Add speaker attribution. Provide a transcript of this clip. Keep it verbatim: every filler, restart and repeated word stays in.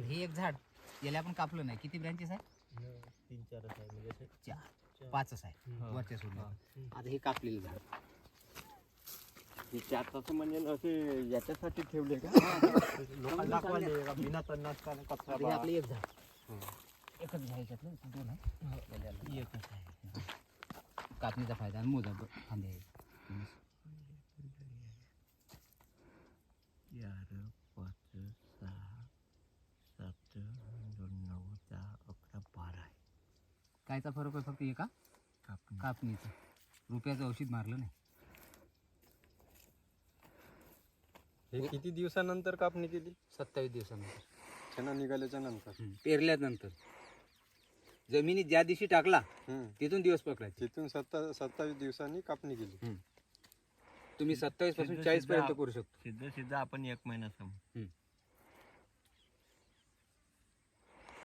Speaker 1: हे एक झाड याला आपण कापलं नाही. किती ब्रँचेस आहे?
Speaker 2: तीन चारच आहे म्हणजे असे
Speaker 1: चार पाचच आहे वरच्या सोडून. आता हे कापलेलं झाड
Speaker 3: हे चार म्हणजे असे याच्यासाठी ठेवले का?
Speaker 2: लोकांना दाखवायले का बिना तणनाशकाने कचरा
Speaker 1: हे
Speaker 2: बा.
Speaker 1: आपलं एक झाड एकच घ्यायच्यातलं दोन आहे. एकच आहे. कापणीचा फायदा आणि मोजा फांदे आहे.
Speaker 3: चार पाच सहा सात दोन नऊ दहा अकरा बारा आहे.
Speaker 1: कायचा फरक आहे फक्त एका
Speaker 3: कापणी
Speaker 1: कापणीचा. रुपयाचं औषध मारलं नाही.
Speaker 2: हे किती दिवसानंतर कापणी केली?
Speaker 1: सत्तावीस दिवसानंतर
Speaker 2: चणा निघाल्याच्या नंतर.
Speaker 1: पेरल्यानंतर जमिनीत ज्या दिवशी टाकला
Speaker 2: हम्म.
Speaker 1: तिथून दिवस पकडायचे.
Speaker 2: तिथून सत्ता सत्तावीस दिवसांनी कापणी केली.
Speaker 1: तुम्ही सत्तावीस पासून
Speaker 3: सिद्ध-
Speaker 1: चाळीस
Speaker 3: सिद्ध
Speaker 1: पर्यंत
Speaker 3: आप-
Speaker 1: करू शकतो.
Speaker 3: सिद्ध सिद्ध आपण एक महिना समज
Speaker 1: हम्म.